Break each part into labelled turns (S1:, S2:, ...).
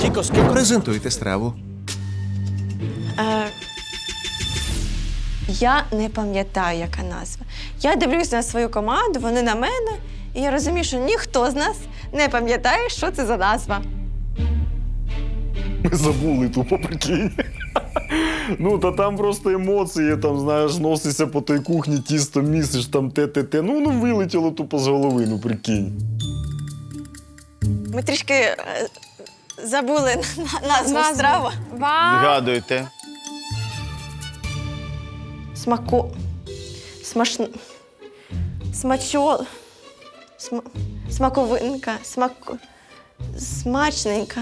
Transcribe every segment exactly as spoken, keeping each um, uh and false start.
S1: Презентуйте страву.
S2: Е, я не пам'ятаю, яка назва. Я дивлюсь на свою команду, вони на мене, і я розумію, що ніхто з нас не пам'ятає, що це за назва.
S3: Ми забули тупо, прикинь. Ну, та там просто емоції, там, знаєш, носишся по той кухні, тісто місиш, там те-те-те. Ну, воно вилетіло тупо з голови, ну, прикинь.
S2: Ми трішки е, забули на- назву страви.
S4: Вам
S5: Згадуйте.
S2: Смако... Смашн... Смачо... Сма... Смаковинка. Смак... Смачненька.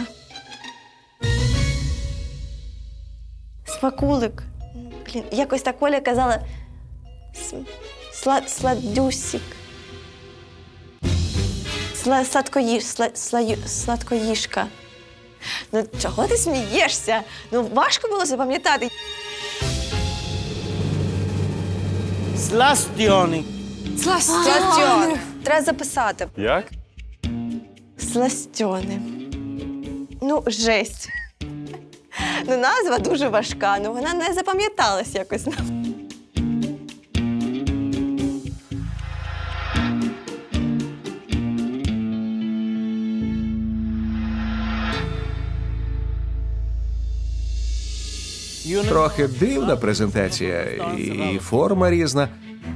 S2: Смакулик. Блін, якось так Оля казала. См... Сла... Сладюсік. Сла... Сладкоїж... Сла... Слаю... Сладкоїжка. Ну, чого ти смієшся? Ну, важко було запам'ятати.
S5: Сластіони.
S2: Сластьони. Треба записати.
S3: Як?
S2: Сластьони. Ну, жесть. Ну, назва дуже важка, ну вона не запам'яталась якось.
S1: Трохи дивна презентація і форма різна,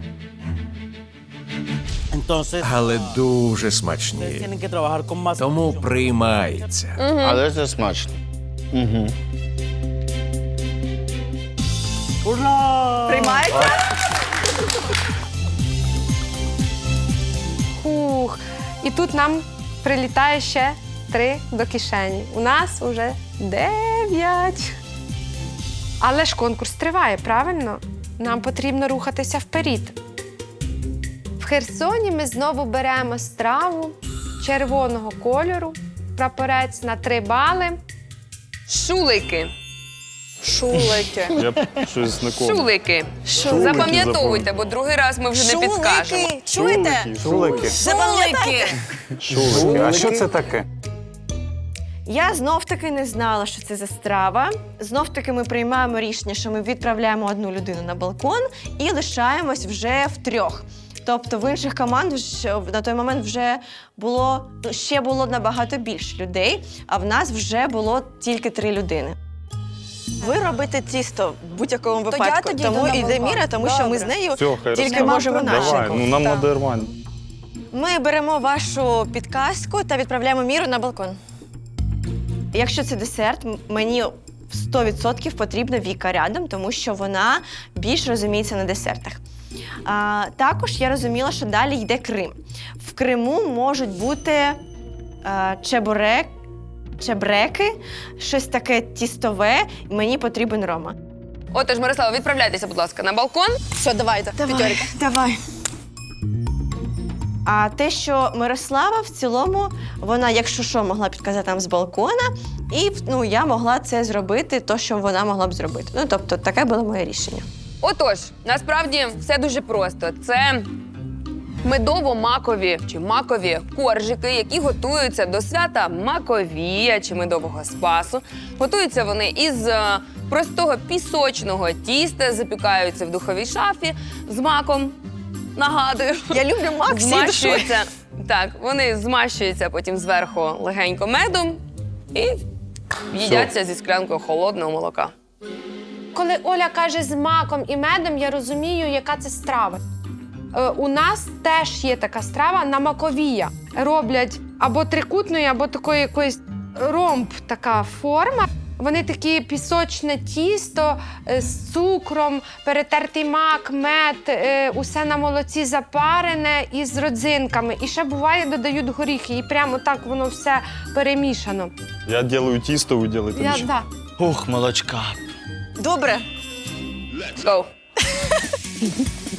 S1: але дуже смачні. Тому приймається.
S5: Але це смачно. Угу.
S2: Приймається?
S4: Хух. І тут нам прилітає ще три до кишені. У нас уже дев'ять. Але ж конкурс триває, правильно? Нам потрібно рухатися вперед. В Херсоні ми знову беремо страву червоного кольору, прапорець на три бали.
S6: Шулики.
S2: Шулики.
S3: Я б щось не кому.
S6: Шулики.
S3: Шулики
S6: Запам'ятовуйте, бо другий раз ми вже не підкажемо.
S2: Шулики. Чуєте?
S3: Шулики.
S2: Запам'ятайте.
S3: Шулики.
S7: А що це таке?
S2: Я знов-таки не знала, що це за страва. Знов-таки ми приймаємо рішення, що ми відправляємо одну людину на балкон і лишаємось вже втрьох. Тобто в інших командах на той момент вже було, ну, ще було набагато більше людей, а в нас вже було тільки три людини. Ви робите тісто в будь-якому випадку,
S8: тоді
S2: тому
S8: йду на
S2: йде
S8: балкон.
S2: Міра, тому що ми з
S8: Добре.
S2: нею
S3: Все, хай
S2: тільки
S3: розкаже.
S2: можемо
S3: Давай,
S2: наші.
S3: ну нам
S8: Так.
S3: нормально.
S2: Ми беремо вашу підказку та відправляємо Міру на балкон. Якщо це десерт, м- мені сто відсотків потрібна Віка рядом, тому що вона більш розуміється на десертах. А, також я розуміла, що далі йде Крим. В Криму можуть бути а, чебурек, чебреки, щось таке тістове, і мені потрібен Рома.
S6: Отож, Мирослава, відправляйтеся, будь ласка, на балкон.
S8: Все, давайте.
S2: Давай, давай. А те, що Мирослава в цілому, вона, якщо що, могла підказати нам з балкона, і ну, я могла це зробити, то, що вона могла б зробити. Ну, тобто, таке було моє рішення.
S6: Отож, насправді все дуже просто. Це медово-макові чи макові коржики, які готуються до свята Маковія чи медового спасу. Готуються вони із е, простого пісочного тіста, запікаються в духовій шафі з маком. Нагадую.
S2: Я люблю мак всією душою.
S6: Змащуються. Так, вони змащуються потім зверху легенько медом і їдяться зі склянкою холодного молока.
S4: Коли Оля каже з маком і медом, я розумію, яка це страва. Е, у нас теж є така страва на маковія. Роблять або трикутної, або такої якоїсь ромб така форма. Вони такі пісочне тісто е, з цукром, перетертий мак, мед, е, усе на молоці запарене і з родзинками. І ще буває, додають горіхи, і прямо так воно все перемішано.
S3: Я ділаю тісто, ви ділите
S4: Я,
S3: нічого.
S4: да.
S5: Ух, молочка.
S2: Добре.
S6: Go.